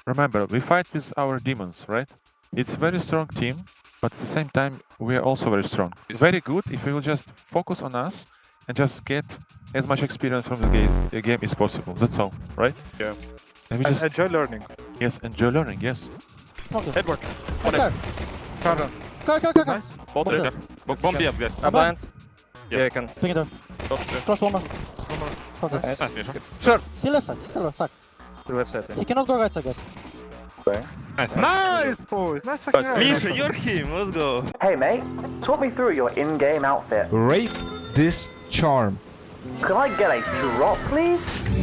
Remember, we fight with our demons, right? It's a very strong team, but at the same time, we are also very strong. It's very good if we will just focus on us and just get as much experience from the game as possible. That's all, right? Yeah. And we And just enjoy learning. yes, enjoy learning. Yes. Edward. Okay. Carter. Go. Both Okay. there. Bomb B up, guys. I'm blind. Yeah, I can. Ping it down. Cross one more. Cross it. Nice. Nice, Misha. Sure. Still left side. Still left side. To left side. He cannot go right side, guys. Nice. Nice, boys. Nice fucking round. Misha, you're him. Let's go. Hey mate, talk me through your in-game outfit. Rate this charm. Could I get a drop, please?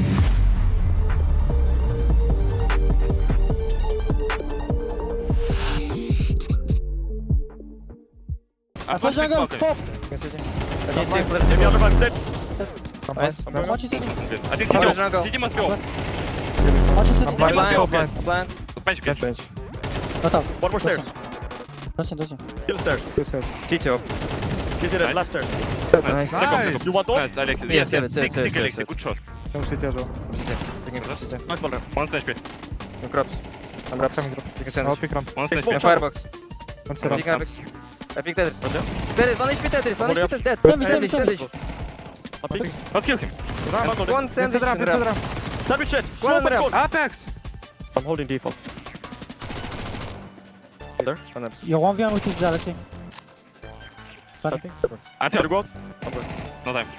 I Flash jungle. Pop. Can you see flip? Give me other one. Dead. Nice. Watch his city. I think Flash CT. jungle. CT must be off. Watch his city. I'm blind. go, I'm blind. Blind. Bench, bench. Bench. Not out. One more stairs. Listen. Kill stairs. TT up. Kill Nice. it. Last stairs. Nice. Nice. You want all? Nice, Alexis. Yes, Yes, yes, yes. yes, yes, Alexis. yes. Good shot. No city as well. Taking cross. TT. Nice one there. One splash pit. No crops. I'm wraps. Coming drop. You can send I'll it. pick ramp. One splash Smoke pit. And firebox. One set Picking up. Apex. I picked Tetris. Tetris. One HP Tetris. One I'm HP Tetris. Dead. Sandwich, Sandwich. sandwich, Sandwich. I'm picking. Let's kill him. One sandwich. Ramp. in the ramp. Sandwich shit. One Smoke ramp. and Apex. I'm holding default. Under. One ramp. You're 1v1 with his Alexi. Planting. I Try to tell. go out. No time.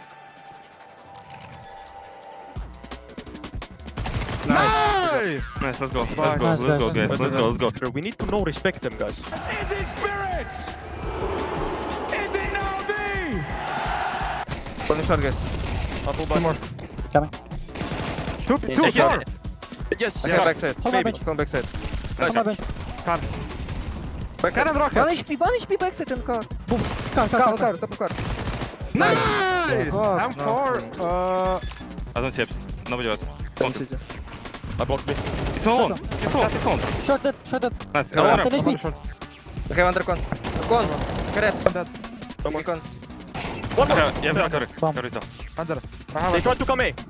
Nice! Nice, let's go. Nice, Let's guys. go, guys. Let's go. We need to know respect them, guys. Is it spirits? Is it Navi? One shot, guys. Two more. Coming. Two Yes, more. Yes. I come backside. Hold my bench. Come backside. Hold my bench. Backside. Cannon rocket. One HP backside in car. Car. Top of car. Nice! Fuck, I'm no. for. I don't see apps. Nobody was. I blocked me. It's on. It's on. Short dead. Nice. No, One one ramp. 10 HP. We have under con. Con. Correct. One more. Con. One more. Yeah, correct. Bomb. Correct. Under. They tried to come A.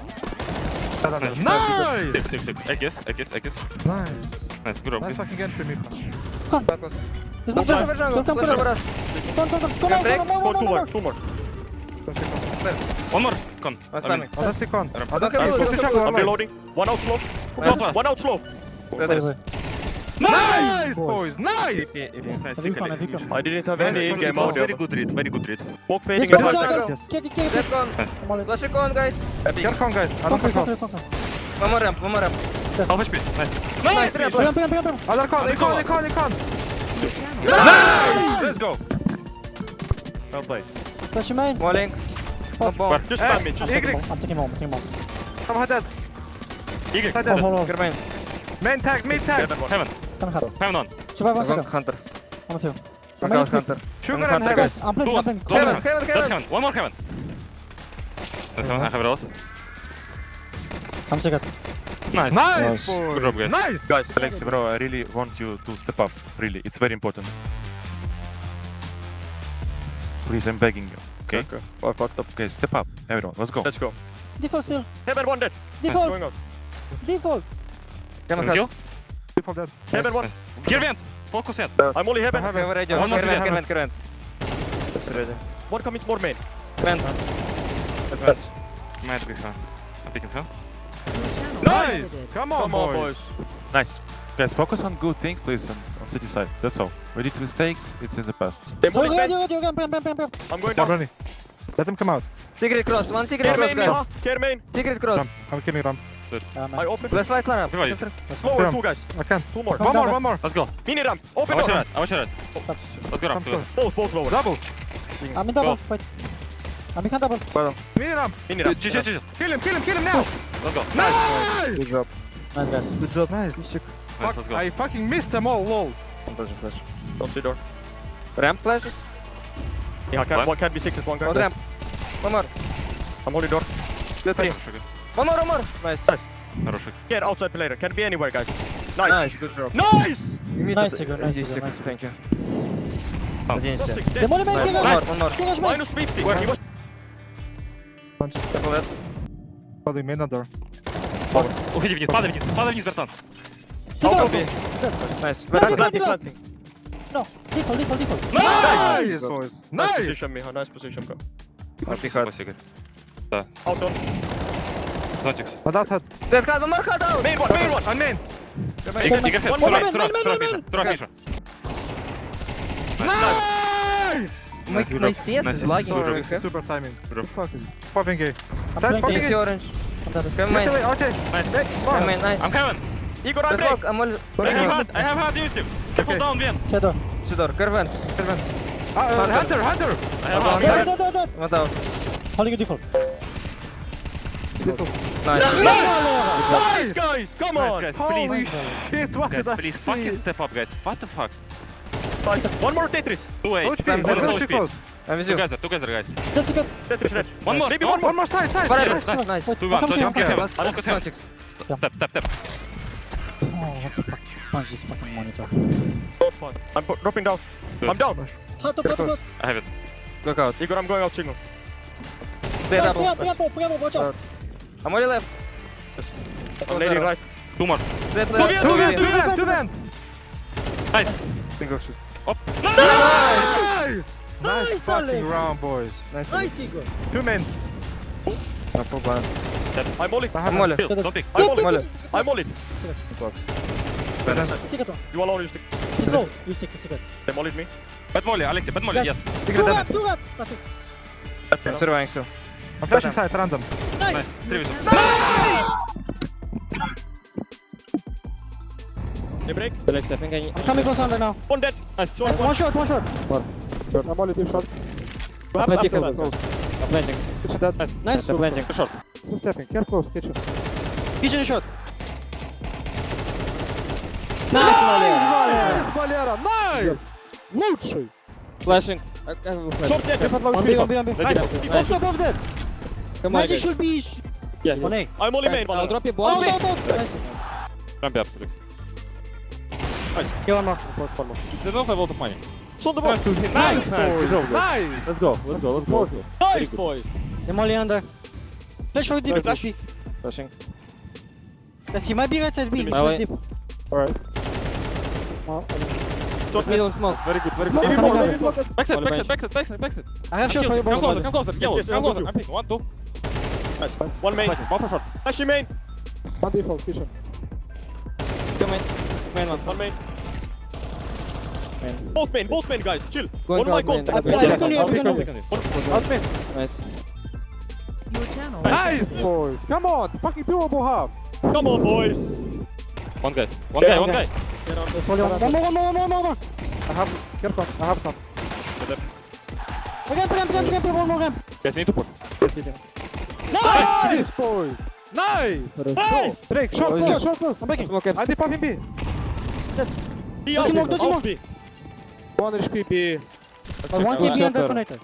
Nice. Sick. Ekis. Nice. Nice. Good job. Nice fucking entry, Mika. Back close. There's no Flash flash. over jungle. Come. Flash over us. Come. Two more. Nice. One more. Con. I'm spamming. I'll just stick on. Don't have blue, don't have blue. I'm reloading. One out slow. Nice. One out slow. Tetris. Nice, boys. Nice. Nice. Recon. I didn't have any in-game audio. Very good read. Smoke Yes, fading. go and jungle. Kick. Dead con. I'm all in. Flash con, guys. Get con, guys. I don't Come. control. One more ramp. Half HP. Nice. Nice ramp. Ping. Other con. Nice. Let's go. Well played. Flash your main. One link. One bomb. Just spam me. Just I'm taking bomb. come ahead. Eagle. Hold. Get main. Main tag, mid tag. Heaven. Come here. Heaven on. Survive 1 One second. hunter. I'm with you. One main hunter. Sugar One and hunter, heaven. guys. I'm Two playing. one. Heaven. That's heaven. One more heaven. That's heaven. I have it all. I'm second. Nice. Nice, Good job, guys. Nice. Guys, Alexi, bro, I really want you to step up. Really, it's very important. Please, I'm begging you. Okay. I fucked up. Okay, step up, everyone. Let's go. Let's go. Default still. Heaven one dead. Default. Going out. Default. Come on, Kill. Default dead. Heaven one. Kill vent. Focus yet. I'm only heaven. Heaven radio. One more Current. One coming more main. Current. Might be fun. I'm picking fun. Nice. Come on, boys. Nice. Guys, focus on good things, please, on city side. That's all. We did mistakes, it's in the past. They're moving main. Bam. I'm going down. Let them come out. Secret cross. One secret Care cross, main, guys. Miha. Care main. Secret cross. I'm killing Ram. I open. Let's fight ramp. Revive. Slower, two guys. I can. Two more. One more. Let's go. Mini ramp. I Open was door. red. Let's go Ram. together. Both lower. Double. I'm in double. Wait. I'm in double. Mini ramp. GG. Kill him now. Let's go. Nice. Good job. Nice guys. Good job. Nice. Nice, let's go. I fucking missed them all, lol. One doesn't flash. Don't see door. Ramp flashes. Yeah, What? can't be secret, one guy. One ramp. One more. I'm holding door. Good three. Хороший. One more. Nice. Хороший. Get outside player. Can be anywhere, guys. Nice. Nice. Good job. Nice. Nice, Sigurd, nice, Easy, Sigurd, nice. Thank you. Oh. Один Just set. six. The Dead. money man, Nice. kill One more. us. One more. Kill us, man. Minus 50. Where he was. Careful that. One Уходи вниз, падай вниз, братан. Sit I'll down. go B. Nice. Planting, Planting, planting, planting. No, default. Nice! Boys. Nice position, Miha. Nice position, bro. Спасибо, Игорь. Out on. Зонтикс. Dead cut, one more cut out! Main one, main one. On main! Игорь, One more Сурак, man, Сурак, Миша. My CS is lagging. Super timing. Bro. Popping A. I'm Side planting. popping TC A. orange. I'm dead. Come main. Okay. Come main, nice. I'm Kevin. Igor, Let's I'm walk, I'm all... I have hard Yusuf. Careful down, Ben. Shadow. Sidor, Kervans. Hunter. I have hard. Dead. What out? Holding a default. Nice. Nice, guys. Come on. Guys, Holy please. shit, what Guys, did I please see? fucking step up, guys. What the fuck? One more Tetris. 2 HP. HP, One let's is go, HP. close. I'm with you. Together, guys. That's a bit. Tetris red. One more. Maybe No, one more. One more side. Whatever. Nice. Nice. 2-1. Come Don't here. get Last Focus him. context. Step. Oh, what the fuck? Punch this fucking monitor. I'm dropping down. Good. I'm down. Hot up. I have it. Look out. Igor, I'm going out signal. Stay Guys, double. bring up, watch out. I'm only left. I'm nading right. 2 more. Dead Two left. vent. Two vent. Nice. Single shoot. Nice. Nice, fucking Alex. round, boys. Nice, Igor. Two men. I'm all in. I'm all Kill. Don't pick. I'm all Molly. in. I'm all in. Secret one. You alone, you stick. He's low. You secret. They mollied me. Bad Molly, Alexi. Bad Molly. Yes. Yes. Two rap. That's it. I'm surviving still. I'm flashing side, random. Nice. Nice. 3 with They break. Alex, I think I need... I'm coming close under now. One dead. Short one. One shot. I'm only deep shot. You have Planting, after that. I'm planting. Kitchen dead. Nice. I'm planting. Short. Still stepping. Careful, close. Kitchen. Kitchen shot. Valera, nice! Лучший! Flashing. I will flash. Short dead. On B. Nice. Both dead. Come on, Magic guys. should be. Yeah. On A. I'm only main. I'll Valera. drop you bomb. Out. Nice. Ramp up, Alex. Get one more. They don't have a lot of money. Shot the ball. Nice, boys! Nice! Let's go. Nice, boy. I'm only under. Flash for deep. Flash. B. Flashing. Yes, he might be right side B. Maybe. Давай. Deep. Alright. Short mid. Middle smoke. Very good. Maybe more. Maybe more. Backside. I have shot for you. Come Both. closer. Yellow. yes, Come I'm closer. with I'm picking. 1, 2. Nice. One main. One for short. Flashy main. One default, kitchen. Come in. Main one. One main. Both main, guys. Chill. Going One my down main. goal. I pick on you. Out mid. Nice. Nice, boys! Come on! Fucking doable half! Come on, boys. One guy. One guy. One more. I have... Careful, I have some. Ramp. One more ramp. Guys, we need to push. Nice, boys! Nice! Nice. Break, short Oh, close, short close! I'm breaking. Smoke up. I dip in B. Be out. Dodge him. Out B. One HP B. I want to be under connector.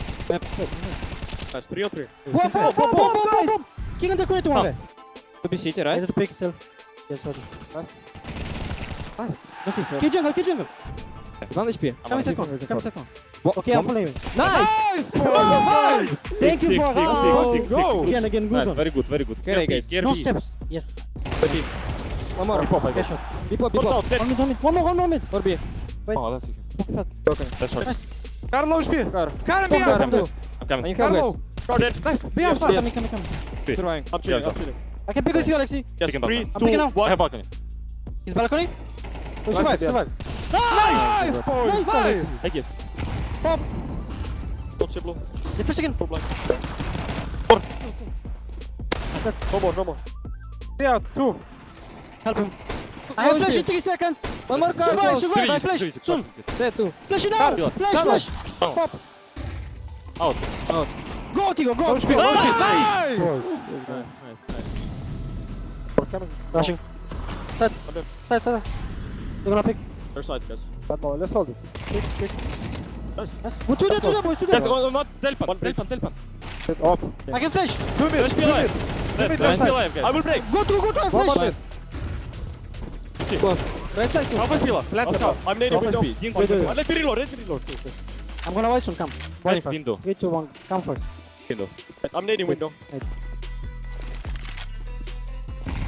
Nice. 3 on 3. Boom. King under connector one guy. To be city, I right? need to pick still. Yes, sorry. Nice. Let's see. Kill jungle. 1 HP. Come second. What? Okay, I'm following. Nice! Nice, boys! Nice! Thank you for Go! Again, good Nice. one. Very good. Okay, guys. No steps. Yes. One more. Okay, shot. Bipop, Short bipop. out. Dead. One more. Or B. Oh, that's easy. That's short. Nice. Carlo HP! Car. Carlo Bomb B! down. I'm coming. You come, Carlo! guys. Car dead. Nice! B out! Coming. Surviving. I'm chilling. I can pick with you, Alexi. Yes. Picking 3, balcony. 2, picking now. I 1. have balcony. He's balcony. Oh, Nice. survive. Nice, boys! Nice, Nice! Alex. Thank you. Pop. Don't chip low. The first again. Full blind. No more. B out! 2! Help him. I have flash in 3 seconds. One more car. Survive. I flash. Soon. Dead too. Flash it now. Flash. Oh. Pop. Out. Go, Tigo. Go. Nice! Rushing. Side. They're gonna pick. Other side, guys. Let's hold it. Yes. Well, two there, boys. Two Yes, there. not Delpan. Sit off. I can flash. 2 mid! Let's be alive. mid, Let's be left alive, guys. I will break. Go to I One more flash. mid. Right side too. Half a healer. I'm nading window. Ding, Let me reload. I'm gonna watch some. Come. Waiting first. Window. 3, 2, 1. Come first. Window. I'm nading window.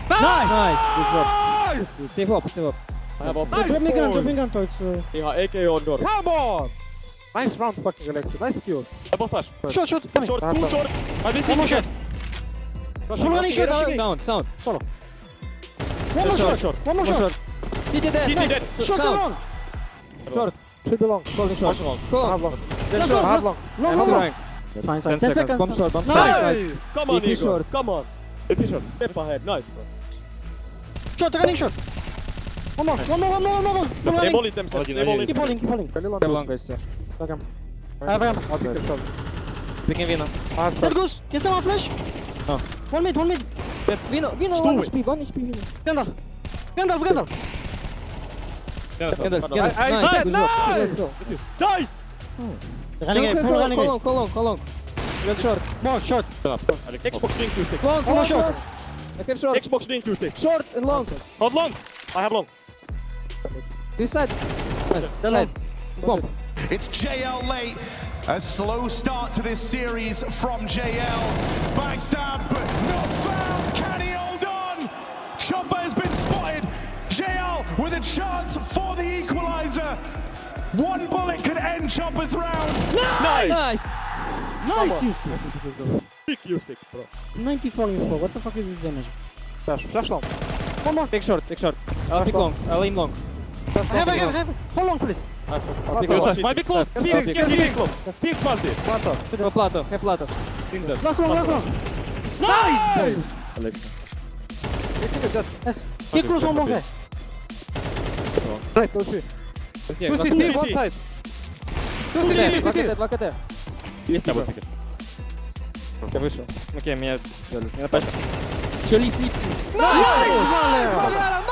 Nice! Good job. Save up, save up. I have op. Drop me gun towards... Ihan AK on door. Come on! Nice round fucking Alexi, nice kills. Double flash. Short, short, coming. Short, I have two one. short. I will One more take shot. it. Full running shot. Sound, sound. One more Short, shot. One more shot. CT dead. CT dead. Short Sound. long. Short. Should be long. Golden short. One long. I Go have on. long. Then Last short. I one, have long. Long, I'm long, long. trying. Fine, 10 fine. 10 seconds. seconds. Bomb short, bomb Nice. short. Nice. Come on, BP Igor. short. Come on. BP short. Step ahead. Nice, bro. Short, running short. One more. Full They running. molly themselves. They molly Keep holding, keep holding. Very long. Very long guys. Back him. I have him. I'll take the shot. Picking Vino. I have That shot. goes. Get some flash. Oh. One mid, one mid. Vino, Stu 1 it. HP, 1 HP Vino. Gandalf. Gandalf, Gandalf. Get it, I- nice, I- good nice. job. Nice. Running away, full running away. Call on. Get short. More, short. Xbox drink 2 stick. Long, One more shot. I have short. Xbox drink 2 stick. Short and long. Hold long. I have long. This side. Nice. They're long. Bomb. It's JL late. A slow start to this series from JL. Backstab, but not found. Can he hold on? Chopper has been spotted. JL with a chance for the equalizer. One bullet could end Chopper's round. Nice. Nice. Nice. Stick you stick, bro. 94 info. What the fuck is this damage? Flash. Flash long. One more. Take short, take short. I'll pick long. I'll aim long. Have it. Hold on, please. I'll pick take long. long. Might be close. I'll Felix, pick. get Felix close. Felix multi. Plato. Go plato, have plato. Last one, last one. Nice! Alex. Yes. Get close one more guy. Right, go see. Two Two CT, one side. Два КТ. Есть double ticket. Я вышел. Окей, меня взяли. Меня напали. Еще лип. Nice!